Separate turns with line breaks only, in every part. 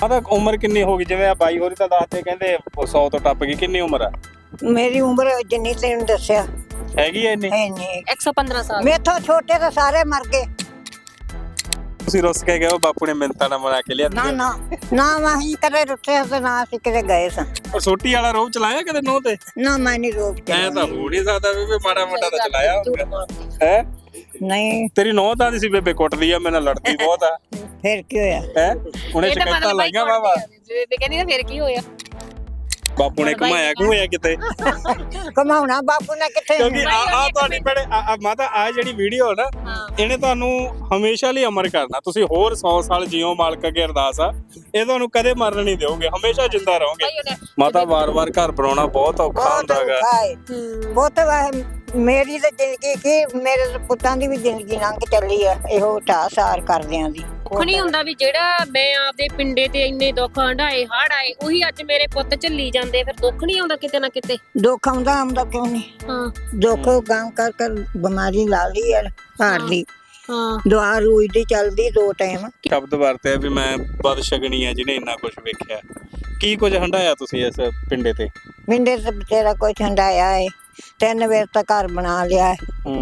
ਤਾਂ ਉਮਰ ਕਿੰਨੀ ਹੋ ਗਈ? ਜਿਵੇਂ ਆ ਬਾਈ ਹੋਰੀ ਤਾਂ ਦੱਸਦੇ ਕਹਿੰਦੇ 100 ਤੋਂ ਟੱਪ ਗਈ। ਕਿੰਨੀ ਉਮਰ ਆ?
ਮੇਰੀ ਉਮਰ ਜਿੰਨੀ ਤੈਨੂੰ ਦੱਸਿਆ
ਹੈਗੀ ਐ ਇੰਨੀ?
ਇੰਨੀ
115 ਸਾਲ।
ਮੇਥੋਂ ਛੋਟੇ ਤਾਂ ਸਾਰੇ ਮਰ ਗਏ।
ਤੁਸੀਂ ਰੁੱਸ ਕੇ ਗਏ ਹੋ, ਬਾਪੂ ਨੇ ਮਿੰਤਾਂ ਨਾਲ ਬਣਾ ਕੇ ਲਿਆ?
ਨਾ ਨਾ ਨਾ ਅਸੀਂ ਕਦੇ ਰੁੱਠੇ ਤੇ ਨਾ ਅਸੀਂ ਕਿਤੇ ਗਏ ਸਾਂ।
ਉਹ ਸੋਟੀ ਵਾਲਾ ਰੋਹ ਚਲਾਇਆ ਕਦੇ ਨੋਹ ਤੇ?
ਨਾ ਮੈਂ ਨਹੀਂ ਰੋਕ
ਐ
ਕੇ
ਤਾਂ ਹੋ ਨਹੀਂ ਸਕਦਾ ਬੇਬੇ, ਮਾੜਾ ਮੋਟਾ ਤਾਂ ਚਲਾਇਆ ਹੋਊਗਾ ਹੈ।
ਨਹੀਂ
ਤੇਰੀ ਨੋਹ ਤਾਂ ਸੀ ਬੇਬੇ ਕੁੱਟਦੀ ਆ, ਮੇਰੇ ਨਾਲ ਲੜਦੀ ਬਹੁਤ ਆ
ਫਿਰ ਕੀ ਹੋਇਆ?
ਹੈ। ਉਹਨੇ ਸ਼ਿਕਾਇਤਾਂ ਲਾਈਆਂ ਵਾਵਾ।
ਬੇਬੇ ਕਹਿੰਦੀ ਨਾ ਫਿਰ ਕੀ ਹੋਇਆ?
ਬਾਪੂ ਨੇ ਘੁਮਾਇਆ ਘੁਮਾਇਆ ਕਿਤੇ?
ਕਮਾਉਣਾ ਬਾਪੂ ਨੇ ਕਿੱਥੇ?
ਕਿਉਂਕਿ ਆ ਤੁਹਾਡੀ ਭੈਣੇ ਮਾਤਾ ਆ ਜਿਹੜੀ ਵੀਡੀਓ ਨਾ, ਇਹਨੇ ਤੁਹਾਨੂੰ ਹਮੇਸ਼ਾ ਲਈ ਅਮਰ ਕਰਨਾ। ਤੁਸੀਂ ਹੋਰ 100 ਸਾਲ ਜੀਓ, ਮਾਲਕ ਅੱਗੇ ਅਰਦਾਸ ਆ, ਇਹ ਤੁਹਾਨੂੰ ਕਦੇ ਮਰਨ ਨਹੀਂ ਦਿਓਗੇ, ਹਮੇਸ਼ਾ ਜਿੰਦਾ ਰਹੋਗੇ। ਮਾਤਾ ਵਾਰ-ਵਾਰ ਘਰ ਬਣਾਉਣਾ ਬਹੁਤ ਔਖਾ ਹੁੰਦਾ ਹੈਗਾ।
ਬਹੁਤ ਵਾਰ ਮੇਰੀ ਤਾਂ ਜ਼ਿੰਦਗੀ ਕੀ, ਮੇਰੇ ਪੁੱਤਾਂ ਦੀ ਵੀ ਜ਼ਿੰਦਗੀ ਲੰਘ ਚੱਲੀ ਆ ਇਹੋ ਢਾਹ-ਸਾਰ ਕਰਦਿਆਂ ਦੀ।
ਦੁੱਖ ਨਹੀਂ ਹੁੰਦਾ ਵੀ ਜਿਹੜਾ ਮੈਂ ਆਪਦੇ ਪਿੰਡੇ ਤੇ ਇੰਨੇ ਦੁੱਖ ਹੰਢਾਏ, ਹੜ੍ਹ ਆਏ, ਉਹੀ ਅੱਜ ਮੇਰੇ ਪੁੱਤ ਝੱਲੀ ਜਾਂਦੇ, ਫਿਰ ਦੁੱਖ ਨਹੀਂ ਆਉਂਦਾ ਕਿਤੇ ਨਾ ਕਿਤੇ?
ਦੁੱਖ ਆਉਂਦਾ ਕਿਉਂ ਨਹੀਂ?
ਹਾਂ
ਦੁੱਖ ਗਾਂ ਕਰ ਬਿਮਾਰੀ ਲਾ ਲਈ ਹੈ ਹਾਰ ਦੀ।
ਹਾਂ
ਦੁਆ ਰੋਜ਼ ਦੀ ਚੱਲਦੀ 2 ਟਾਈਮ।
ਸ਼ਬਦ ਵਰਤਿਆ ਵੀ ਮੈਂ ਬਦਸ਼ਗਨੀ ਆ ਜਿਹਨੇ ਇੰਨਾ ਕੁਝ ਵੇਖਿਆ। ਕੀ ਕੁਝ ਹੰਢਾਇਆ ਤੁਸੀਂ ਇਸ ਪਿੰਡੇ ਤੇ?
ਮਿੰਡੇ ਤੇ ਬਥੇਰਾ ਕੋਈ ਠੰਡਾਇਆ ਏ। 3 ਵੇਰ ਤਾਂ ਘਰ ਬਣਾ ਲਿਆ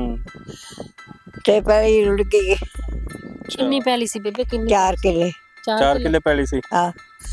ਤੇ ਪਹਿਲੀ ਰੁੜ ਗਈ।
ਕਿੰਨੀ ਪੈਲੀ ਸੀ ਬੇਬੇ? ਕਿੰਨੀ?
4 ਕਿੱਲੇ।
4 ਕਿੱਲੇ ਪੈਲੀ ਸੀ।
ਹਾਂ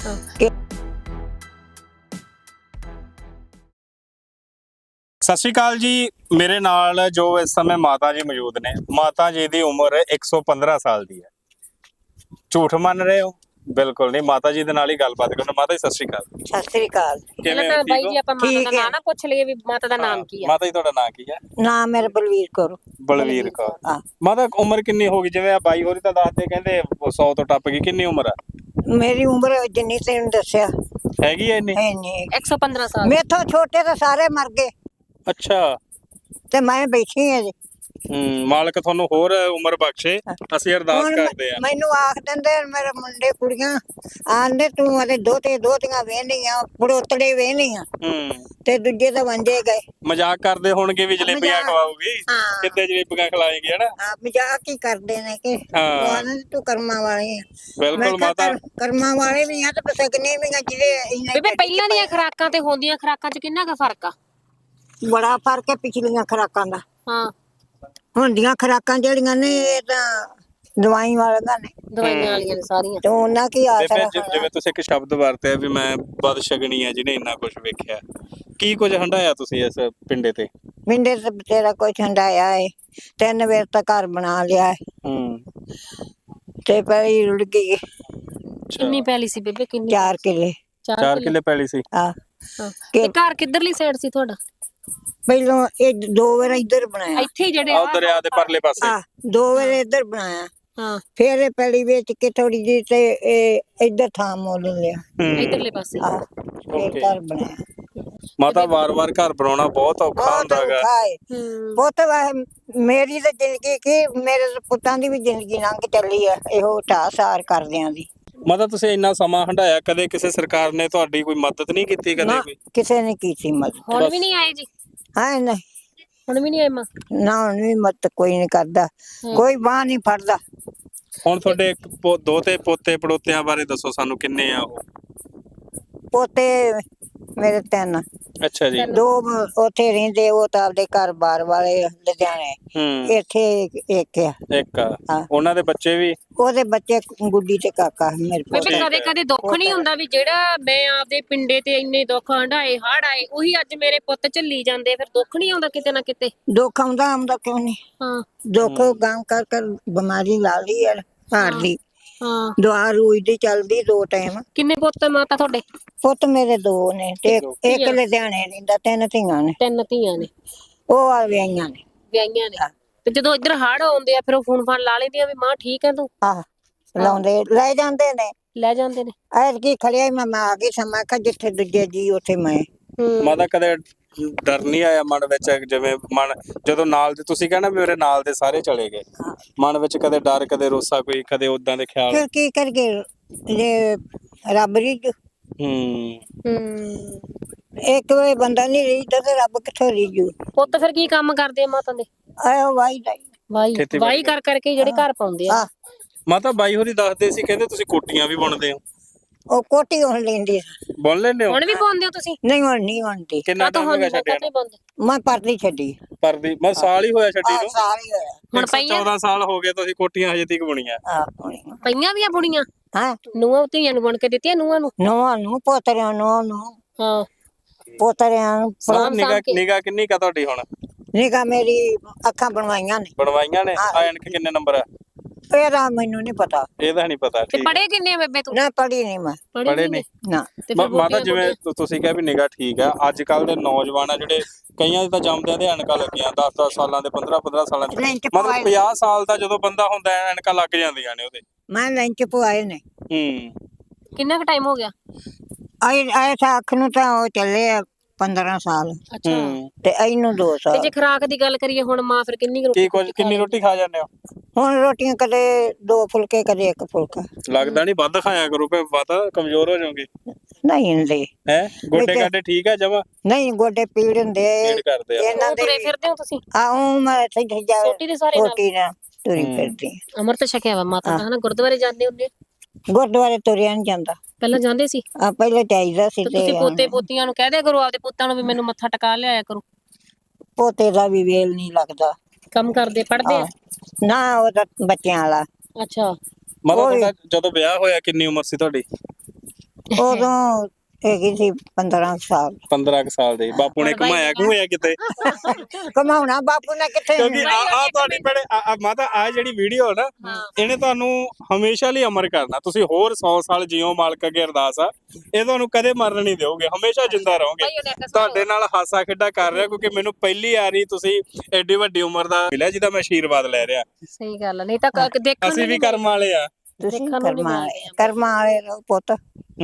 ਸਤਿ ਸ਼੍ਰੀ ਅਕਾਲ ਜੀ। ਮੇਰੇ ਨਾਲ ਜੋ ਇਸ ਸਮੇਂ ਮਾਤਾ ਜੀ ਮੌਜੂਦ ਨੇ, ਮਾਤਾ ਜੀ ਦੀ ਉਮਰ 115 ਸਾਲ ਦੀ ਹੈ। ਝੂਠ ਮੰਨ ਰਹੇ ਹੋ? ਬਿਲਕੁਲ ਨਹੀਂ। ਮਾਤਾ ਜੀ ਦੇ ਨਾਲ ਹੀ ਗੱਲਬਾਤ ਕਰੋ। ਮਾਤਾ ਜੀ ਸਤਿ ਸ਼੍ਰੀ ਅਕਾਲ।
ਸਤਿ ਸ੍ਰੀ ਅਕਾਲ।
ਪਹਿਲਾਂ ਤਾਂ ਬਾਈ ਜੀ ਆਪਾਂ ਮਾਤਾ ਦਾ ਨਾਂ ਨਾ ਪੁੱਛ ਲਈਏ ਵੀ ਮਾਤਾ ਦਾ ਨਾਮ ਕੀ ਆ?
ਮਾਤਾ ਜੀ ਤੁਹਾਡਾ ਨਾਂ ਕੀ ਹੈ?
ਨਾਮ ਮੇਰਾ ਬਲਵੀਰ ਕੌਰ।
ਬਲਵੀਰ ਕੌਰ।
ਹਾਂ।
ਮਾਤਾ ਉਮਰ ਕਿੰਨੀ ਹੋ ਗਈ? ਜਿਵੇਂ ਆ ਬਾਈ ਹੋਰੀ ਤਾਂ ਦੱਸਦੇ ਕਹਿੰਦੇ 100 ਤੋਂ ਟੱਪ ਗਈ। ਕਿੰਨੀ ਉਮਰ ਆ?
ਮੇਰੀ ਉਮਰ ਜਿੰਨੀ ਤੈਨੂੰ ਦੱਸਿਆ
ਹੈਗੀ ਐ ਇੰਨੀ?
ਇੰਨੀ
115 ਸਾਲ।
ਮੇਥੋਂ ਛੋਟੇ ਤਾਂ ਸਾਰੇ ਮਰ ਗਏ
ਅੱਛਾ।
ਤੇ ਮੈਂ ਬੈਠੀ ਹਾਂ ਜੀ।
ਮਾਲਕ ਤੁਹਾਨੂੰ ਹੋਰ ਉਮਰ ਬਖਸ਼ੇ, ਅਸੀਂ ਅਰਦਾਸ ਕਰਦੇ ਆ।
ਮੈਨੂੰ ਆਖ ਦਿੰਦੇ ਮੇਰੇ ਮੁੰਡੇ ਕੁੜੀਆਂ ਆਂਦੇ ਤੂੰ ਅਤੇ ਦੋਤੀਆਂ ਵੇਹਨੀਆਂ ਪੜੋਤੜੇ ਵੇਹਨੀਆਂ ਤੇ ਦੂਜੇ ਤਾਂ ਵੰਜੇ ਗਏ।
ਮਜ਼ਾਕ ਕਰਦੇ ਹੋਣਗੇ ਵੀ ਜਲੇਬੀਆਂ ਖਵਾਉਗੀ, ਕਿੱਦੇ ਜਲੇਬੀਆਂ ਖਿਲਾਏਗੀ ਹਨਾ?
ਮਜ਼ਾਕ ਹੀ ਕਰਦੇ ਨੇ ਕਿ ਤੂੰ ਕਰਮਾਂ ਵਾਲੀ ਆ।
ਬਿਲਕੁਲ ਮਾਤਾ,
ਕਰਮਾਂ ਵਾਲੇ ਵੀ ਆ ਤੇ ਸਕਨੇ ਵੀ ਆ ਜਿਹੜੇ।
ਬੇਬੇ ਪਹਿਲਾਂ ਦੀਆਂ ਖੁਰਾਕਾਂ ਤੇ ਹੁਣ ਦੀਆਂ ਖੁਰਾਕਾਂ 'ਚ ਕਿੰਨਾ ਕੁ ਫਰਕ ਆ?
ਬੜਾ ਫਰਕ ਹੈ ਪਿਛਲੀਆਂ ਖੁਰਾਕਾਂ ਦਾ।
ਹਾਂ।
ਹੁਣ ਦੀਆਂ ਖੁਰਾਕਾਂ ਜਿਹੜੀਆਂ ਨੇ ਇਹ ਤਾਂ ਦਵਾਈ ਵਾਲੀਆਂ ਨੇ,
ਦਵਾਈਆਂ ਵਾਲੀਆਂ ਨੇ ਸਾਰੀਆਂ।
ਤੇ ਉਹਨਾਂ ਕੀ ਆਸਰਾ?
ਜਿਵੇਂ ਤੁਸੀਂ ਇੱਕ ਸ਼ਬਦ ਵਰਤਿਆ ਵੀ ਮੈਂ ਬਦਸ਼ਗਨੀ ਆ ਜਿਹਨੇ ਇੰਨਾ ਕੁਝ ਵੇਖਿਆ। ਕੀ ਕੁਝ ਹੰਢਾਇਆ ਤੁਸੀਂ ਇਸ ਪਿੰਡੇ ਤੇ?
ਮਿੰਡੇ ਤੇ ਬਥੇਰਾ ਕੋਈ ਠੰਡਾਇਆ ਏ। 3 ਵੇਰ ਤਾਂ ਘਰ ਬਣਾ ਲਿਆ ਤੇ ਪਹਿਲੀ ਰੁੜ ਗਈ।
ਕਿੰਨੀ ਪੈਲੀ ਸੀ ਬੇਬੇ? ਕਿੰਨੀ?
4 ਕਿੱਲੇ।
4 ਕਿੱਲੇ ਪੈਲੀ ਸੀ।
ਹਾਂ।
ਤੇ ਘਰ ਕਿੱਧਰਲੀ ਸਾਈਡ ਸੀ ਤੁਹਾਡਾ?
ਪਹਿਲੋਂ ਇਹ 2 ਵਾਰ ਇੱਧਰ ਬਣਾਇਆ।
ਇੱਥੇ ਜਿਹੜੇ
ਦਰਿਆ ਦੇ ਪਰਲੇ ਪਾਸੇ।
2 ਵਾਰ ਇੱਧਰ ਬਣਾਇਆ।
ਹਾਂ।
ਫਿਰ ਇਹ ਪਹਿਲੀ ਵੇਚ ਕੇ ਥੋੜੀ ਜਿਹੀ ਤੇ ਇਹ ਇੱਧਰ ਥਾਂ ਮੁੱਲ ਲਿਆ
ਇੱਧਰਲੇ ਪਾਸੇ।
ਫਿਰ ਘਰ ਬਣਾਇਆ।
ਮਾਤਾ ਵਾਰ-ਵਾਰ ਘਰ ਬਣਾਉਣਾ ਬਹੁਤ ਔਖਾ ਹੁੰਦਾ ਹੈਗਾ।
ਬਹੁਤ ਮੇਰੀ ਤਾਂ ਜ਼ਿੰਦਗੀ ਕੀ, ਮੇਰੇ ਪੁੱਤਾਂ ਦੀ ਵੀ ਜ਼ਿੰਦਗੀ ਲੰਘ ਚੱਲੀ ਆ ਇਹੋ ਢਾਹ-ਸਾਰ ਕਰਦਿਆਂ ਦੀ।
ਮਾਤਾ ਤੁਸੀਂ ਇੰਨਾ ਸਮਾਂ ਹੰਢਾਇਆ, ਕਦੇ ਕਿਸੇ ਸਰਕਾਰ ਨੇ ਤੁਹਾਡੀ ਕੋਈ ਮਦਦ ਨਹੀਂ ਕੀਤੀ? ਕਦੇ ਕੋਈ
ਕਿਸੇ ਨੇ ਕੀਤੀ ਮਦਦ?
ਹੁਣ ਵੀ ਨਹੀਂ ਆਏ ਜੀ?
ਹਾਂ ਨਹੀਂ,
ਹੁਣ ਵੀ ਨਹੀਂ ਆਏ ਮਾਂ?
ਨਾ ਹੁਣ ਵੀ ਮਦਦ ਕੋਈ ਨਹੀਂ ਕਰਦਾ, ਕੋਈ ਬਾਂਹ ਨਹੀਂ ਫੜਦਾ।
ਹੁਣ ਤੁਹਾਡੇ ਦੋਤੇ ਪੋਤੇ ਪੜੋਤਿਆਂ ਬਾਰੇ ਦੱਸੋ ਸਾਨੂੰ, ਕਿੰਨੇ ਆ ਉਹ?
ਪੋਤੇ ਮੇਰੇ 3।
ਅੱਛਾ ਜੀ।
2 ਉੱਥੇ ਰਹਿੰਦੇ, ਉਹ ਤਾਂ ਆਪਦੇ ਘਰ-ਬਾਰ ਵਾਲੇ ਲੁਧਿਆਣੇ। ਇੱਥੇ ਇੱਕ ਆ।
ਇੱਕ ਆ। ਉਹਨਾਂ ਦੇ ਬੱਚੇ ਵੀ?
ਉਹਦੇ ਬੱਚੇ ਗੁੱਡੀ ਤੇ ਕਾਕਾ ਮੇਰੇ ਕੋਲ।
ਬੇਬੇ ਕਦੇ ਕਦੇ ਦੁੱਖ ਨਹੀਂ ਹੁੰਦਾ ਵੀ ਜਿਹੜਾ ਮੈਂ ਆਪਦੇ ਪਿੰਡੇ ਤੇ ਇੰਨੇ ਦੁੱਖ ਹੰਢਾਏ, ਹੜ੍ਹ ਆਏ, ਉਹੀ ਅੱਜ ਮੇਰੇ ਪੁੱਤ ਝੱਲੀ ਜਾਂਦੇ, ਫਿਰ ਦੁੱਖ ਨਹੀਂ ਆਉਂਦਾ ਕਿਤੇ ਨਾ ਕਿਤੇ?
ਦੁੱਖ ਆਉਂਦਾ ਕਿਉਂ ਨਹੀਂ?
ਹਾਂ।
ਦੁੱਖ ਗਾਂ ਕਰ ਬਿਮਾਰੀ ਲਾ ਲਈ ਹੈ ਹਾਰ ਦੀ।
ਹਾਂ।
ਦੁਆ ਰੋਜ਼ ਦੀ ਚੱਲਦੀ 2 ਟਾਈਮ।
ਕਿੰਨੇ ਪੁੱਤ ਮਾਤਾ ਤੁਹਾਡੇ?
ਪੁੱਤ ਮੇਰੇ 2 ਨੇ ਤੇ ਇੱਕ ਲੁਧਿਆਣੇ ਰਹਿੰਦਾ। 3 ਧੀਆਂ ਨੇ।
3 ਧੀਆਂ ਨੇ।
ਉਹ ਆ ਵਿਆਹੀਆਂ ਨੇ।
ਵਿਆਹੀਆਂ ਨੇ। ਤੇ ਜਦੋਂ ਇੱਧਰ ਹੜ੍ਹ ਆਉਂਦੇ ਆ ਫਿਰ ਉਹ ਫੋਨ ਫਾਨ ਲਾ ਲੈਂਦੀਆਂ ਵੀ ਮਾਂ ਠੀਕ ਹੈ ਤੂੰ?
ਆਹ ਲਾਉਂਦੇ ਲੈ ਜਾਂਦੇ ਨੇ।
ਲੈ ਜਾਂਦੇ ਨੇ।
ਐਤਕੀ ਖੜਿਆ ਮੈਂ ਆ ਗਈ ਸਮਾਂ ਕਿ ਜਿੱਥੇ ਦੂਜੇ ਜੀ ਉੱਥੇ ਮੈਂ।
ਮਾਤਾ ਕਦੇ ਡਰ ਨਹੀਂ ਆਇਆ ਮਨ ਵਿੱਚ? ਜਿਵੇਂ ਮਨ ਜਦੋਂ ਨਾਲ ਦੇ ਤੁਸੀਂ ਕਹਿਣਾ ਵੀ ਮੇਰੇ ਨਾਲ ਦੇ ਸਾਰੇ ਚਲੇ ਗਏ, ਮਨ ਵਿੱਚ ਕਦੇ ਡਰ, ਕਦੇ ਰੋਸਾ, ਕੋਈ ਕਦੇ ਉਦਾਂ ਦੇ ਖਿਆਲ?
ਫਿਰ ਕੀ ਕਰਗੇ ਜੇ ਰੱਬ ਰੀਜੂ। ਇੱਕ ਵੇ ਬੰਦਾ ਨਹੀਂ ਰੀਜਦਾ ਤੇ ਰੱਬ ਕਿੱਥੋਂ ਰੀਜੂ?
ਪੁੱਤ ਫਿਰ ਕੀ ਕੰਮ ਕਰਦੇ ਆ ਮਾਤਾ ਦੇ?
ਆਇਓ ਵਾਈ
ਵਾਈ ਕਰ ਕਰਕੇ ਜਿਹੜੇ ਘਰ ਪਾਉਂਦੇ ਆ।
ਮਾਤਾ ਬਾਈ ਹੋਰੀ ਦੱਸਦੇ ਸੀ, ਕਹਿੰਦੇ ਤੁਸੀਂ ਕੋਟੀਆਂ ਵੀ ਬੁਣਦੇ ਹੋ?
ਉਹ ਕੋਟੀ ਹੁਣ ਲੈਂਦੀ ਸੀ।
ਬੁਣ ਲੈਂਦੇ ਹੋ?
ਹੁਣ ਵੀ ਪਾਉਂਦੇ ਹੋ ਤੁਸੀਂ?
ਨਹੀਂ ਹੁਣ ਨਹੀਂ ਹੁੰਦੀ।
ਕਿੰਨਾ ਟਾਈਮ ਹੋ ਗਿਆ ਛੱਡਿਆ
ਨਹੀਂ ਪਾਉਂਦੇ?
ਮੈਂ ਪਰਦੀ ਛੱਡੀ।
ਪਰਦੀ ਮੈਂ ਸਾਲ ਹੀ ਹੋਇਆ ਛੱਡੀ ਨੂੰ।
ਸਾਲ ਹੀ ਹੋਇਆ।
ਹੁਣ ਪਈਆਂ
14 ਸਾਲ ਹੋ ਗਏ ਤੁਸੀਂ ਕੋਟੀਆਂ ਹਜੇ ਤੱਕ ਬੁਣੀਆਂ।
ਪਈਆਂ ਵੀ ਆ ਬੁਣੀਆਂ?
ਹਾਂ
ਨੂੰਹਾਂ ਧੀਆਂ ਨੂੰ ਬੁਣ ਕੇ ਦਿੱਤੀਆਂ ਨੂੰਹਾਂ ਨੂੰ?
ਨੂੰਹਾਂ ਨੂੰ ਪੋਤਰਿਆਂ ਨੂੰ
ਹਾਂ
ਪੋਤਰਿਆਂ ਨੂੰ
ਸਾਂਭ ਕੇ।
ਨਿਗਾਹ ਕਿੰਨੀ ਕਾ ਤੁਹਾਡੀ ਹੁਣ?
ਨਿਗਾ ਮੇਰੀ ਅੱਖਾਂ ਬਣਵਾਈਆਂ ਨੇ।
ਬਣਵਾਈਆਂ ਨੇ? ਐਨਕ ਕਿੰਨੇ ਨੰਬਰ ਆ?
ਇਹਦਾ ਮੈਨੂੰ ਨਹੀਂ ਪਤਾ।
ਇਹਦਾ ਨਹੀਂ ਪਤਾ।
ਤੇ
ਠੀਕ
ਪੜੇ ਕਿੰਨੇ ਆ ਬੇਬੇ ਤੂੰ?
ਨਾ ਪੜੀ ਨਹੀਂ ਮੈਂ।
ਪੜੇ ਨਹੀਂ?
ਨਾ
ਤੇ ਫਿਰ
ਮਾਤਾ ਜਿਵੇਂ ਤੁਸੀਂ ਕਿਹਾ ਵੀ ਨਿਗਾਹ ਠੀਕ ਆ, ਅੱਜ ਕੱਲ ਦੇ ਨੌਜਵਾਨ ਆ ਜਿਹੜੇ ਕਈਆਂ ਦੇ ਤਾਂ ਜੰਮਦਿਆਂ ਦੇ ਐਨਕਾਂ ਲੱਗੀਆਂ 10-10 ਸਾਲਾਂ ਦੇ 15-15 ਸਾਲਾਂ ਦੇ,
ਲੈਂਚ
ਮਤਲਬ
ਪਵਾਏ
50 ਸਾਲ ਦਾ ਜਦੋਂ ਬੰਦਾ ਹੁੰਦਾ ਐਨਕਾਂ ਲੱਗ ਜਾਂਦੀਆਂ ਨੇ ਉਹਦੇ।
ਮੈਂ ਲੈਂਚ ਪਵਾਏ ਨੇ।
ਕਿੰਨਾ ਕੁ ਟਾਈਮ ਹੋ ਗਿਆ?
ਆਏ ਤਾਂ ਅੱਖ ਨੂੰ ਤਾਂ ਉਹ ਚੱਲੇ ਆ 15 ਸਾਲ
ਅੱਛਾ
ਤੇ ਇਹਨੂੰ 2
ਤੇ
ਸਾਲ।
ਜੇ ਖੁਰਾਕ ਦੀ ਗੱਲ ਕਰੀਏ ਹੁਣ ਮਾਂ ਫਿਰ ਕਿੰਨੀ ਕੁ ਰੋਟੀ
ਕਿੰਨੀ ਰੋਟੀ ਖਾ ਜਾਂਦੇ ਹੋ?
ਹੁਣ ਰੋਟੀਆਂ ਕਦੇ 2 ਫੁਲਕੇ ਕਦੇ 1 ਫੁਲਕਾ।
ਲੱਗਦਾ ਨਹੀਂ ਵੱਧ ਖਾਇਆ ਕਰੋ ਫੇ ਪਤਾ ਕਮਜ਼ੋਰ ਹੋ ਜਾਓਗੇ।
ਨਹੀਂ ਹੁੰਦੇ
ਹੈ ਗੋਡੇ ਗਾਡੇ ਠੀਕ ਆ ਜਮਾ?
ਨਹੀਂ ਗੋਡੇ ਪੀੜ ਹੁੰਦੇ
ਪੀੜ ਕਰਦੇ ਆ।
ਇਹਨਾਂ ਦੇ।
ਤੁਰੇ ਫਿਰਦੇ ਹੋ ਤੁਸੀਂ?
ਆਉਂ ਮੈਂ ਇੱਥੇ ਜਾ
ਛੋਟੀ ਦੇ ਸਾਰੇ ਨਾਲ
ਛੋਟੀ ਨਾਲ ਤੁਰੀ ਫਿਰਦੀ ਹਾਂ।
ਅਮਰਤ ਛਕਿਆ ਵਾ ਮਾਤਾ ਦਾ ਹਨਾ? ਗੁਰਦੁਆਰੇ ਜਾਂਦੇ ਹੁੰਦੇ?
ਗੁਰਦੁਆਰੇ ਤੁਰਿਆ ਨਹੀਂ ਜਾਂਦਾ।
ਪਹਿਲਾਂ ਜਾਂਦੇ ਸੀ?
ਪਹਿਲੇ ਚਾਹੀਦਾ ਸੀ
ਤੇ
ਤੇ
ਤੁਸੀਂ ਪੋਤੇ ਪੋਤੀਆਂ ਨੂੰ ਕਹਿ ਦਿਆ ਕਰੋ ਆਪਦੇ ਪੁੱਤਾਂ ਨੂੰ ਵੀ ਮੈਨੂੰ ਮੱਥਾ ਟਿਕਾ ਲਿਆਇਆ ਕਰੋ।
ਪੋਤੇ ਦਾ ਵੀ ਵੇਲ ਨਹੀਂ ਲੱਗਦਾ।
ਕੰਮ ਕਰਦੇ ਪੜਦੇ ਆ?
ਨਾ ਉਹ ਤਾਂ ਬੱਚਿਆਂ ਵਾਲਾ।
ਅੱਛਾ
ਮਤਲਬ ਜਦੋਂ ਵਿਆਹ ਹੋਇਆ ਕਿੰਨੀ ਉਮਰ ਸੀ ਤੁਹਾਡੀ?
ਉਦੋਂ ਹੈਗੀ ਸੀ 15 ਸਾਲ।
15 ਸਾਲ ਦੇ। ਬਾਪੂ ਨੇ ਘੁਮਾਇਆ ਘੁਮਾਇਆ ਕਿਤੇ?
ਕਮਾਉਣਾ ਬਾਪੂ ਨੇ ਕਿੱਥੇ।
ਕਿਉਂਕਿ ਆ ਤੁਹਾਡੀ ਭੈਣੇ ਮਾਤਾ ਆ ਜਿਹੜੀ ਵੀਡੀਓ ਨਾ ਇਹਨੇ ਤੁਹਾਨੂੰ ਹਮੇਸ਼ਾ ਲਈ ਅਮਰ ਕਰਨਾ। ਤੁਸੀਂ ਹੋਰ 100 ਸਾਲ ਜਿਉ ਮਾਲਕ ਅੱਗੇ ਅਰਦਾਸ ਆ, ਇਹ ਤੁਹਾਨੂੰ ਕਦੇ ਮਰਨ ਨਹੀਂ ਦਿਓਗੇ, ਹਮੇਸ਼ਾ ਜਿੰਦਾ ਰਹੋਗੇ। ਤੁਹਾਡੇ ਨਾਲ ਹਾਸਾ ਖੇਡਾ ਕਰ ਰਿਹਾ ਕਿਉਂਕਿ ਮੈਨੂੰ ਪਹਿਲੀ ਵਾਰੀ ਤੁਸੀਂ ਐਡੀ ਵੱਡੀ ਉਮਰ ਦਾ ਮਿਲਿਆ ਜਿਹਦਾ ਮੈਂ ਆਸ਼ੀਰਵਾਦ ਲੈ ਰਿਹਾ।
ਸਹੀ ਗੱਲ ਨਹੀਂ ਤਾਂ ਦੇਖਣ
ਅਸੀਂ ਵੀ ਕਰਮ ਵਾਲੇ ਆ।
ਤੁਸੀਂ ਕਰਮਾਂ ਵਾਲੇ ਰਹੋ ਪੁੱਤ।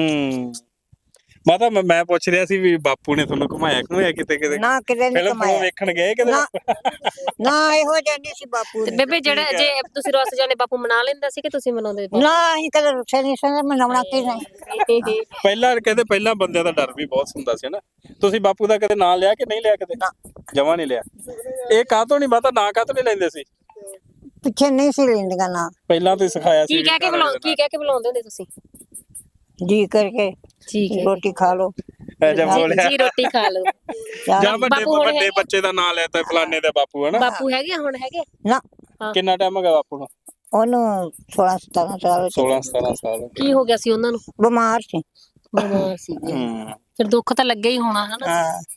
ਮਾਤਾ ਮੈਂ ਪੁੱਛ ਰਿਹਾ ਸੀ ਵੀ ਬਾਪੂ ਨੇ ਤੁਹਾਨੂੰ ਘੁਮਾਇਆ ਘੁਮਾਇਆ ਕਿਤੇ ਕਿਤੇ?
ਨਾ ਕਿਤੇ ਨਹੀਂ
ਫਿਲਮ
ਕਮਾਇਆ।
ਵੇਖਣ ਗਏ ਕਿਤੇ?
ਨਾ ਇਹੋ ਜਿਹਾ ਨਹੀਂ ਸੀ ਬਾਪੂ ਨੇ।
ਬੇਬੇ ਜਿਹੜਾ ਜੇ ਤੁਸੀਂ ਰੁੱਸ ਜਾਂਦੇ ਬਾਪੂ ਮਨਾ ਲੈਂਦਾ ਸੀ ਕਿ ਤੁਸੀਂ ਮਨਾਉਂਦੇ?
ਨਾ ਅਸੀਂ ਕਦੇ ਰੁੱਸੇ ਨਹੀਂ ਸੀ ਮਨਾਉਣਾ ਕਿ ਨਹੀਂ।
ਪਹਿਲਾਂ ਕਹਿੰਦੇ ਪਹਿਲਾਂ ਬੰਦਿਆਂ ਦਾ ਡਰ ਵੀ ਬਹੁਤ ਹੁੰਦਾ ਸੀ ਨਾ। ਤੁਸੀਂ ਬਾਪੂ ਦਾ ਕਦੇ ਨਾਂ ਲਿਆ ਕਿ ਨਹੀਂ ਲਿਆ? ਕਦੇ ਜਮਾ ਨਹੀਂ ਲਿਆ। ਇਹ ਕਾਹਤੋਂ ਨਹੀਂ ਮਾਤਾ ਨਾਂ ਕਾਹਤੋਂ ਨਹੀਂ ਲੈਂਦੇ ਸੀ?
ਪਿੱਛੇ ਨਹੀਂ ਸੀ ਲੈਂਦੀਆਂ ਨਾ।
ਪਹਿਲਾਂ ਤੁਸੀਂ ਸਿਖਾਇਆ ਸੀ?
ਕੀ ਕਹਿ ਕੇ ਬੁਲਾਉਂਦੇ ਹੁੰਦੇ ਤੁਸੀਂ?
ਜੀ ਕਰਕੇ
ਠੀਕ ਹੈ
ਰੋਟੀ ਖਾ ਲੋ।
ਜਦ ਬੋਲਿਆ
ਜੀ ਰੋਟੀ ਖਾ ਲਓ।
ਜਾਂ ਵੱਡੇ ਬੱਚੇ ਦਾ ਨਾਂ ਲੈਤਾ ਫਲਾਣੇ ਦਾ ਬਾਪੂ ਹਨਾ?
ਬਾਪੂ ਹੈਗੇ ਹੁਣ? ਹੈਗੇ
ਨਾ।
ਕਿੰਨਾ ਟਾਈਮ ਹੋ ਗਿਆ ਬਾਪੂ ਨੂੰ?
ਉਹਨੂੰ 16-17 ਸਾਲ।
16-17 ਸਾਲ।
ਕੀ ਹੋ ਗਿਆ ਸੀ ਉਹਨਾਂ ਨੂੰ?
ਬਿਮਾਰ ਸੀ।
ਬਿਮਾਰ ਸੀ ਫਿਰ ਦੁੱਖ ਤਾਂ ਲੱਗਿਆ ਹੀ ਹੋਣਾ ਹਨਾ?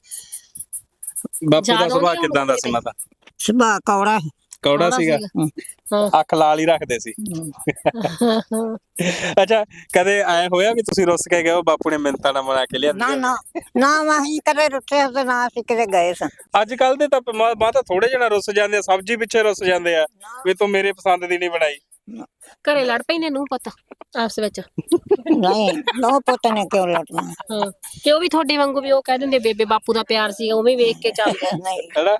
ਬਾਪੂ ਦਾ ਸੁਭਾਅ ਕਿਦਾਂ ਦਾ ਸੀ ਮਾਤਾ?
ਸੁਭਾਅ ਕੌੜਾ
ਕੌੜਾ ਸੀਗਾ? ਅੱਖ ਲਾਲ ਹੀ ਰੱਖਦੇ ਸੀ? ਅੱਛਾ ਕਦੇ ਆਏ ਹੋਇਆ ਵੀ ਤੁਸੀਂ ਰੁੱਸ ਕੇ ਗਏ ਹੋ ਬਾਪੂ ਨੇ ਮਿੰਤਾਂ ਨਾਲ ਬਣਾ ਕੇ ਲਿਆਂਦੀ?
ਨਾ ਨਾ ਨਾ ਅਸੀਂ ਕਦੇ ਰੁੱਸੇ ਤੇ ਨਾ ਅਸੀਂ ਕਿਤੇ ਗਏ ਸਾਂ।
ਅੱਜ ਕੱਲ ਦੇ ਤਾਂ ਮਾਤਾ ਥੋੜੇ ਜਣਾ ਰੁੱਸ ਜਾਂਦੇ ਆ, ਸਬਜ਼ੀ ਪਿੱਛੇ ਰੁੱਸ ਜਾਂਦੇ ਆ ਵੀ ਤੂੰ ਮੇਰੇ ਪਸੰਦ ਦੀ ਨਹੀਂ ਬਣਾਈ।
ਘਰੇ ਲੜ ਪੈਂਦੇ ਨੂੰ ਪਤਾ ਆਪਸ ਵਿੱਚ?
ਨਹੀਂ ਨੋ ਪੁੱਤ ਨੇ ਕਿਉਂ ਲੜਨਾ।
ਹਾਂ ਕਿ ਉਹ ਵੀ ਤੁਹਾਡੇ ਵਾਂਗੂ ਵੀ ਉਹ ਕਹਿ ਦਿੰਦੇ ਬੇਬੇ ਬਾਪੂ ਦਾ ਪਿਆਰ ਸੀਗਾ ਉਵੇਂ ਵੇਖ ਕੇ ਚੱਲਦਾ?
ਨਹੀਂ
ਹੈਨਾ?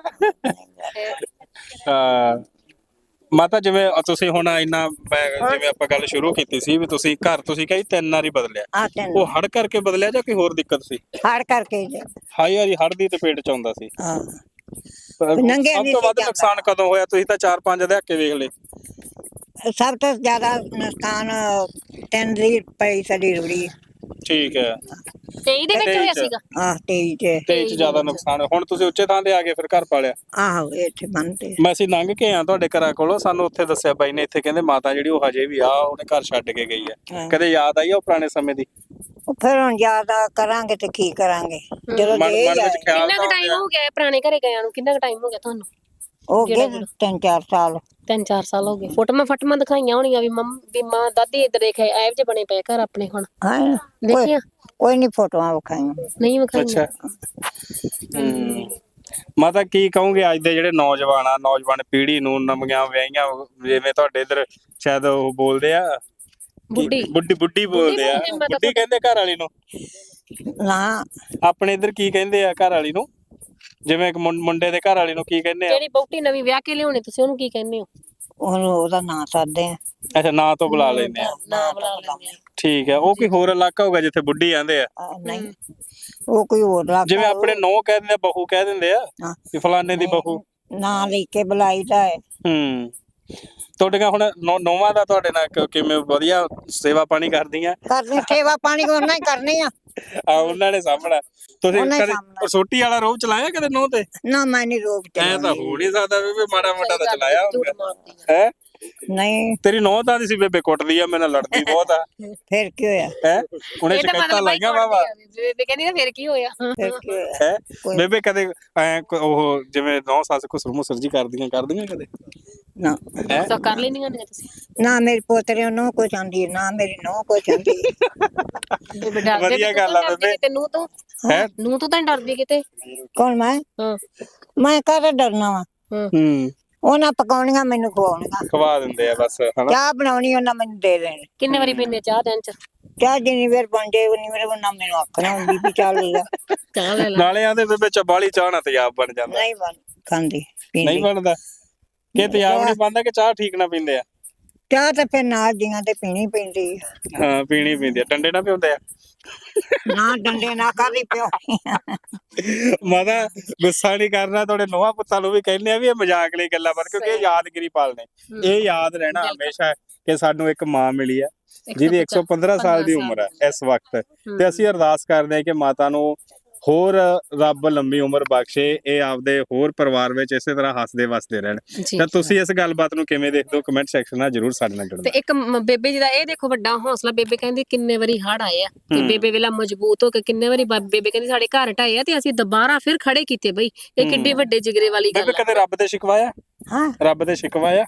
ਮਾਤਾ ਜਿਵੇਂ ਤੁਸੀਂ ਹੁਣ ਇੰਨਾ ਜਿਵੇਂ ਆਪਾਂ ਗੱਲ ਸ਼ੁਰੂ ਕੀਤੀ ਸੀ ਵੀ ਤੁਸੀਂ ਘਰ ਤੁਸੀਂ ਕਹੀ 3 ਵਾਰੀ ਬਦਲਿਆ, ਉਹ ਹੜ ਕਰਕੇ ਬਦਲਿਆ ਜਾਂ ਕੋਈ ਹੋਰ ਦਿੱਕਤ ਸੀ?
ਹੜ ਕਰਕੇ
ਹਾਈ ਵਾਰੀ ਹੜ ਦੀ ਚਪੇਟ ਚ ਆਉਂਦਾ ਸੀ।
ਹਾਂ
ਸਭ ਤੋਂ ਵੱਧ ਨੁਕਸਾਨ ਕਦੋਂ ਹੋਇਆ? ਤੁਸੀਂ ਤਾਂ 4-5 ਦਹਾਕੇ ਵੇਖ ਲਏ।
ਸਭ ਤੋਂ ਜ਼ਿਆਦਾ ਨੁਕਸਾਨ 3 ਦੀ ਪਈ ਸਾਡੀ ਰੁੜੀ।
ਠੀਕ ਹੈ।
23 ਦੇ ਵਿੱਚ ਹੋਇਆ ਸੀਗਾ?
23
ਚ ਜ਼ਿਆਦਾ ਨੁਕਸਾਨ। ਹੁਣ ਤੁਸੀਂ ਉੱਚੇ ਥਾਂ ਤੇ ਆ ਗਏ ਫਿਰ ਘਰ ਪਾਲਿਆ?
ਆਹੋ ਇੱਥੇ ਬੰਨਤੇ।
ਮੈਂ ਅਸੀਂ ਲੰਘ ਕੇ ਆ ਤੁਹਾਡੇ ਘਰਾਂ ਕੋਲੋਂ, ਸਾਨੂੰ ਉੱਥੇ ਦੱਸਿਆ ਬਾਈ ਨੇ ਇੱਥੇ ਕਹਿੰਦੇ ਮਾਤਾ ਜਿਹੜੀ ਉਹ ਹਜੇ ਵੀ ਆ ਉਹਨੇ ਘਰ ਛੱਡ ਕੇ ਗਈ ਆ। ਕਦੇ ਯਾਦ ਆਈ ਉਹ ਪੁਰਾਣੇ ਸਮੇਂ ਦੀ?
ਫਿਰ ਹੁਣ ਜ਼ਿਆਦਾ ਕਰਾਂਗੇ ਤੇ ਕੀ ਕਰਾਂਗੇ ਜਦੋਂ
ਮਨ ਵਿੱਚ ਖਿਆਲ
ਕਿੰਨਾ ਕੁ ਟਾਈਮ ਹੋ ਗਿਆ ਪੁਰਾਣੇ ਘਰੇ ਗਿਆਂ ਨੂੰ? ਕਿੰਨਾ ਕੁ ਟਾਈਮ ਹੋ ਗਿਆ ਤੁਹਾਨੂੰ?
ਹੋ ਗਏ 3-4 ਸਾਲ।
3-4 ਸਾਲ ਹੋ ਗਏ। ਫੋਟੋਆਂ ਦਿਖਾਈਆਂ ਹੋਣੀਆਂ ਵੀ ਮਾਂ ਦਾਦੀ ਇੱਧਰ ਦੇਖਿਆ ਐਵ ਜੇ ਬਣੇ ਪਏ ਘਰ ਆਪਣੇ ਹੁਣ?
ਹਾਂ
ਦੇਖੀਆਂ?
ਕੋਈ ਨਹੀਂ ਫੋਟੋਆਂ ਵਿਖਾਈਆਂ।
ਨਹੀਂ ਵਿਖਾਈਆਂ?
ਮਾਤਾ ਕੀ ਕਹੋਗੇ ਅੱਜ ਦੇ ਜਿਹੜੇ ਨੌਜਵਾਨ ਪੀੜ੍ਹੀ ਨੂੰ, ਨਵੀਆਂ ਵਿਆਹੀਆਂ ਜਿਵੇਂ ਤੁਹਾਡੇ ਇੱਧਰ ਸ਼ਾਇਦ ਉਹ ਬੋਲਦੇ ਆ ਬੁੱਢੀ ਬੋਲਦੇ ਆ, ਬੁੱਢੀ ਕਹਿੰਦੇ ਘਰ ਵਾਲੀ ਨੂੰ?
ਨਾ
ਆਪਣੇ ਇੱਧਰ ਕੀ ਕਹਿੰਦੇ ਆ ਘਰ ਵਾਲੀ ਨੂੰ? ਜਿਵੇਂ ਇੱਕ ਮੁੰਡੇ ਦੇ ਘਰ ਵਾਲੀ ਨੂੰ ਕੀ ਕਹਿੰਦੇ ਆ?
ਜਿਹੜੀ ਬਹੁਤੀ ਨਵੀਂ ਵਿਆਹ ਕੇ ਲਿਆਉਣੇ ਤੁਸੀਂ ਉਹਨੂੰ ਕੀ ਕਹਿੰਦੇ ਹੋ?
ਉਹਦਾ ਨਾਂ ਸਾਦੇ ਆ।
ਅੱਛਾ ਨਾਂ ਤੋਂ ਬੁਲਾ ਲੈਂਦੇ ਆ?
ਨਾਂ ਬੁਲਾ ਲੈਂਦੇ ਆ।
ਠੀਕ ਹੈ। ਉਹ ਕੋਈ ਹੋਰ ਇਲਾਕਾ ਹੋਊਗਾ ਜਿੱਥੇ ਬੁੱਢੀ ਆਂਦੇ ਆ?
ਨਹੀਂ ਉਹ ਕੋਈ ਹੋਰ ਇਲਾਕਾ।
ਜਿਵੇਂ ਆਪਣੇ ਨੌ ਕਹਿ ਦਿੰਦੇ ਆ, ਬਹੂ ਕਹਿ ਦਿੰਦੇ ਆ ਵੀ ਫਲਾਣੇ ਦੀ ਬਹੂ।
ਨਾਂ ਲੈ ਕੇ ਬੁਲਾਈਦਾ ਹੈ।
ਤੁਹਾਡੀਆਂ ਹੁਣ ਨੌਵਾਂ ਦਾ ਤੁਹਾਡੇ ਨਾਲ ਕਿਵੇਂ ਵਧੀਆ ਸੇਵਾ ਪਾਣੀ ਕਰਦੀਆਂ?
ਕਰਨੀ ਸੇਵਾ ਪਾਣੀ ਉਹਨਾਂ ਹੀ ਕਰਨੀ ਆ।
ਆ ਉਹਨਾਂ ਨੇ ਸਾਹਮਣਾ। ਤੁਸੀਂ
ਉਹਨਾਂ ਹੀ
ਕਦੇ
ਸਾਂਭਣਾ।
ਸੋਟੀ ਵਾਲਾ ਰੋਹ ਚਲਾਇਆ ਕਦੇ ਨਹੁੰ ਤੇ?
ਨਾ ਮੈਂ ਨਹੀਂ ਰੋਕ
ਐ ਤਾਂ
ਚਲਾਉਂਦੀ।
ਹੋ ਨਹੀਂ ਸਕਦਾ ਬੇਬੇ, ਮਾੜਾ ਮੋਟਾ ਤਾਂ ਚਲਾਇਆ
ਝੂਠ
ਹੋਊਗਾ
ਮਾਰਦੀ ਆ।
ਹੈ।
ਨਹੀਂ
ਤੇਰੀ ਨਹੁੰ ਤਾਂ ਦੀ ਸੀ ਬੇਬੇ, ਕੁੱਟਦੀ ਆ, ਮੇਰੇ ਨਾਲ ਲੜਦੀ ਬਹੁਤ ਆ
ਫਿਰ ਕੀ ਹੋਇਆ?
ਹੈ। ਉਹਨੇ
ਇਹ ਤਾਂ
ਸ਼ਿਕਾਇਤਾਂ
ਮਤਲਬ ਬਾਈ
ਲਾਈਆਂ ਵਾਵਾ
ਬੇਬੇ ਕਹਿੰਦੀ ਨਾ ਫਿਰ ਕੀ ਹੋਇਆ।
ਫਿਰ ਕੀ ਹੋਇਆ?
ਹੈ।
ਕੋਈ-
ਬੇਬੇ ਕਦੇ ਉਹ ਜਿਵੇਂ ਨਹੁੰ ਸੱਸ ਕੋ ਸੁਰਮੁਸਰ ਜੀ ਕਰਦੀਆਂ ਕਦੇ?
ਨਾ
ਹੈ।
ਤਾਂ ਕਰ ਲੈਂਦੀਆਂ ਨੇ ਤੁਸੀਂ?
ਨਾ ਮੇਰੇ ਪੋਤਰੇ ਨੂੰ ਕੋਈ ਚਾਹੁੰਦੀ ਨਾ ਮੇਰੀ ਨੂੰ ਕੋਈ ਚਾਹੁੰਦੀ।
ਬੇਬੇ ਡਰਦੀ
ਵਧੀਆ ਗੱਲ ਆ ਬੇਬੇ।
ਤੈਨੂੰ ਤੂੰ
ਹੈ।
ਨੂੰ ਤੂੰ ਤਾਂ ਨੀ ਡਰਦੀ ਕਿਤੇ?
ਕੌਣ ਮੈਂ?
ਹਾਂ
ਮੈਂ ਕਾਹਦਾ ਡਰਨਾ ਵਾ?
ਹੂੰ।
ਉਹਨਾਂ ਪਕਾਉਣੀਆਂ ਮੈਨੂੰ ਖਵਾਉਣੀਆਂ।
ਖਵਾ ਦਿੰਦੇ ਆ ਬਸ ਹਨਾ।
ਚਾਹ ਬਣਾਉਣੀ ਉਹਨਾਂ ਮੈਨੂੰ ਦੇ ਦੇਣੀ।
ਕਿੰਨੇ ਵਾਰੀ ਪੀਂਦੇ ਚਾਹ ਦਿਨ ਚ?
ਚਾਹ ਜਿੰਨੀ ਵਾਰ ਬਣ ਜਾਏ ਉਨੀ ਵਾਰ ਉਹਨਾਂ ਮੈਨੂੰ ਆਖਣਾ ਹੁੰਦੀ ਵੀ ਚੱਲ ਲੈ।
ਚਾਹ ਲੈ ਲਾ।
ਨਾਲੇ ਆਂਦੇ ਬੇਬੇ ਚਬਾਲੀ ਚਾਹ ਨਾਲ ਤੇਜ਼ਾਬ ਬਣ ਜਾਂਦਾ।
ਨਹੀਂ ਬਣ ਖਾਂਦੀ
ਨਹੀਂ
ਪੀਂਦੀ।
ਬਣਦਾ ਕਿ ਤੇਜ਼ਾਬ ਨਹੀਂ ਬਣਦਾ ਕਿ ਚਾਹ ਠੀਕ ਨਾ ਪੀਂਦੇ ਆ?
ਚਾਹ ਤਾਂ ਫਿਰ ਨਾਲ ਦੀਆਂ ਤੇ ਪੀਣੀ ਪੈਂਦੀ ਆ।
ਹਾਂ ਪੀਣੀ ਪੈਂਦੀ ਆ। ਡੰਡੇ ਨਾ ਪਿਉਂਦੇ ਆ?
ਨਾ ਡੰਡੇ ਨਾ ਕਾਹਦੀ ਪਿਓ।
ਮਾਤਾ ਗੁੱਸਾ ਨਹੀਂ ਕਰਨਾ, ਤੁਹਾਡੇ ਨੋਹਾਂ ਪੁੱਤਾਂ ਨੂੰ ਵੀ ਕਹਿੰਦੇ ਆ ਵੀ ਇਹ ਮਜ਼ਾਕ ਲਈ ਗੱਲਾਂ ਬਣ, ਕਿਉਂਕਿ ਇਹ ਯਾਦਗਿਰੀ ਪਾਲਣੇ। ਇਹ ਯਾਦ ਰਹਿਣਾ ਹਮੇਸ਼ਾ ਕਿ ਸਾਨੂੰ ਇੱਕ ਮਾਂ ਮਿਲੀ ਆ ਜਿਹਦੀ 115 ਸਾਲ ਦੀ ਉਮਰ ਹੈ ਇਸ ਵਕਤ, ਤੇ ਅਸੀਂ ਅਰਦਾਸ ਕਰਦੇ ਹਾਂ ਕਿ ਮਾਤਾ ਨੂੰ ਹੋਰ ਰੱਬ ਲੰਮੀ ਉਮਰ ਬਖਸ਼ੇ, ਇਹ ਆਪਦੇ ਹੋਰ ਪਰਿਵਾਰ ਵਿੱਚ ਇਸੇ ਤਰ੍ਹਾਂ ਹੱਸਦੇ ਵਸਦੇ ਰਹਿਣ। ਤਾਂ ਤੁਸੀਂ ਇਸ ਗੱਲਬਾਤ ਨੂੰ ਕਿਵੇਂ ਦੇਖਦੇ ਹੋ? ਕਮੈਂਟ ਸੈਕਸ਼ਨ ਨਾਲ ਜਰੂਰ ਸਾਡੇ ਨਾਲ
ਤੇ
ਜੁੜਨਾ।
ਇੱਕ ਬੇਬੇ ਜੀ ਦਾ ਇਹ ਦੇਖੋ ਵੱਡਾ ਹੌਸਲਾ। ਬੇਬੇ ਕਹਿੰਦੀ ਕਿੰਨੇ ਵਾਰੀ ਹੜ ਆਏ ਆ ਤੇ ਬੇਬੇ ਵੇਲਾ ਮਜ਼ਬੂਤ ਹੋ ਕੇ ਕਿੰਨੇ ਵਾਰੀ ਬੇਬੇ ਕਹਿੰਦੀ ਸਾਡੇ ਘਰ ਢਾਏ ਆ ਤੇ ਅਸੀਂ ਦੁਬਾਰਾ ਫਿਰ ਖੜੇ ਕੀਤੇ ਬਈ। ਇਹ ਕਿੱਡੇ ਵੱਡੇ ਜਿਗਰੇ ਵਾਲੀ ਗੱਲ
ਬੇਬੇ ਕਦੇ ਰੱਬ ਤੇ ਸ਼ਿਕਵਾਇਆ?
ਹਾਂ
ਰੱਬ ਤੇ ਸ਼ਿਕਵਾਇਆ?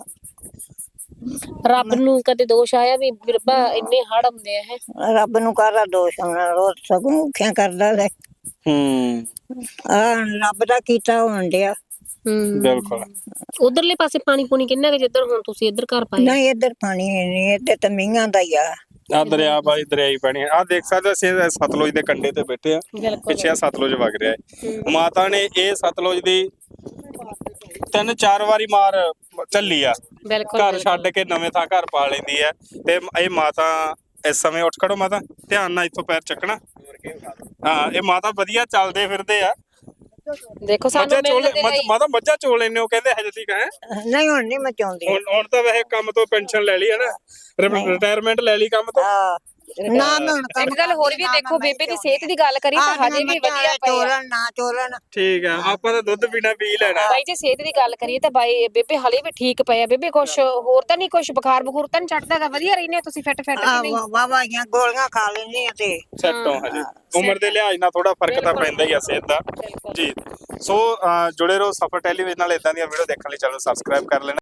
ਰੱਬ ਨੂੰ ਕਦੇ ਦੋਸ਼ ਆਇਆ ਵੀ ਰੱਬਾ ਇੰਨੇ ਹੜ ਆਉਂਦੇ ਆ? ਹੈ
ਰੱਬ ਨੂੰ ਕਾਹਦਾ ਦੋਸ਼ ਆਉਣਾ? ਰੋਜ਼ ਸਗੋਂ ਔਖਿਆਂ ਕਰਦਾ ਲੈ।
ਹੂੰ
ਰੱਬ ਦਾ ਕੀਤਾ ਹੋਣ ਡਿਆ।
ਬਿਲਕੁਲ।
ਉਧਰਲੇ ਪਾਸੇ ਪਾਣੀ ਪੂਣੀ ਕਿੰਨਾ ਕਿ ਜਿੱਧਰ ਹੁਣ ਤੁਸੀਂ ਇੱਧਰ ਘਰ ਪਾਏ?
ਨਹੀਂ ਇੱਧਰ ਪਾਣੀ ਨਹੀਂ, ਇੱਧਰ ਤਾਂ ਮੀਂਹਾਂ ਦਾ ਹੀ ਆ।
ਆ ਦਰਿਆ ਬਾਈ ਦਰਿਆਈ ਪਾਣੀ ਆ ਦੇਖ ਸਕਦੇ ਹੋ। ਅਸੀਂ ਸਤਲੁਜ ਦੇ ਕੰਢੇ ਤੇ ਬੈਠੇ ਆ, ਪਿੱਛੇ ਆ ਸਤਲੁਜ ਵਗ ਰਿਹਾ ਹੈ। ਮਾਤਾ ਨੇ ਇਹ ਸਤਲੁਜ ਦੀ 3-4 ਵਾਰੀ ਮਾਰ ਝੱਲੀ ਆ।
ਬਿਲਕੁਲ
ਘਰ ਛੱਡ ਕੇ ਨਵੇਂ ਥਾਂ ਘਰ ਪਾ ਲੈਂਦੀ ਹੈ। ਤੇ ਇਹ ਮਾਤਾ ਇਸ ਸਮੇਂ ਉੱਠ ਖੜੋ ਮਾਤਾ, ਧਿਆਨ ਨਾਲ ਇੱਥੋਂ ਪੈਰ ਚੱਕਣਾ। ਹਾਂ ਇਹ ਮਾਤਾ ਵਧੀਆ ਚੱਲਦੇ ਫਿਰਦੇ ਆ।
ਦੇਖੋ ਸਾਨੂੰ
ਮੱਝਾਂ ਚੋਲ
ਮਿਲਣ ਦੇ ਲਈ
ਮਾਤਾ ਮੱਝਾਂ ਚੋਲ ਲੈਣੇ ਹੋ ਕਹਿੰਦੇ ਹਜੇ ਤੱਕ ਹੈ?
ਨਹੀਂ ਹੁਣ ਨਹੀਂ ਮਚਾਉਂਦੀ।
ਹੁਣ ਤਾਂ ਵੈਸੇ ਕੰਮ ਤੋਂ ਪੈਨਸ਼ਨ ਲੈ ਲਈ ਹੈ ਨਾ, ਰਿਟਾਇਰਮੈਂਟ ਲੈ ਲਈ ਕੰਮ ਤੋਂ।
ਨਾ ਮੈਂ ਹੁਣ
ਇੱਕ ਗੱਲ ਹੋਰ ਵੀ ਦੇਖੋ, ਬੇਬੇ ਦੀ ਸਿਹਤ ਦੀ ਗੱਲ ਕਰੀ ਤਾਂ ਹਜੇ ਵੀ ਵਧੀਆ ਪਈ ਆ।
ਚੋਲਣ ਨਾ ਚੋਲਣ।
ਠੀਕ ਆ, ਆਪਾਂ ਤਾਂ ਦੁੱਧ ਪੀਣਾ ਪੀ ਲੈਣਾ।
ਬਾਈ ਜੇ ਸਿਹਤ ਦੀ ਗੱਲ ਕਰੀਏ ਤਾਂ ਬਾਈ ਬੇਬੇ ਹਲੇ ਵੀ ਠੀਕ ਪਏ ਆ। ਬੇਬੇ ਕੁਛ ਹੋਰ ਤਾਂ ਨਹੀਂ, ਕੁਛ ਬੁਖਾਰ ਬਖੂਰ ਤਾਂ ਨਹੀਂ ਚੜਦਾਗਾ? ਵਧੀਆ ਰਹਿੰਦੇ ਤੁਸੀਂ ਫਿੱਟ ਕਿ ਨਹੀਂ?
ਵਾਵਾਈਆਂ ਗੋਲੀਆਂ ਖਾ ਲੈਂਦੀ ਆ ਤੇ
ਸੈੱਟ ਹੋ ਹਜੇ। ਉਮਰ ਦੇ ਲਿਹਾਜ਼ ਨਾਲ ਥੋੜਾ ਫਰਕ ਤਾਂ ਪੈਂਦਾ ਹੀ ਆ ਸਿਹਤ ਦਾ ਜੀ। ਸੋ ਜੁੜੇ ਰਹੋ ਸਫਰ ਟੈਲੀਵਿਜ਼ਨ ਨਾਲ। ਇਦਾਂ ਦੀਆਂ ਵੀਡੀਓ ਦੇਖਣ ਲਈ ਚੈਨਲ ਸਬਸਕ੍ਰਾਈਬ ਕਰ ਲੈਣਾ।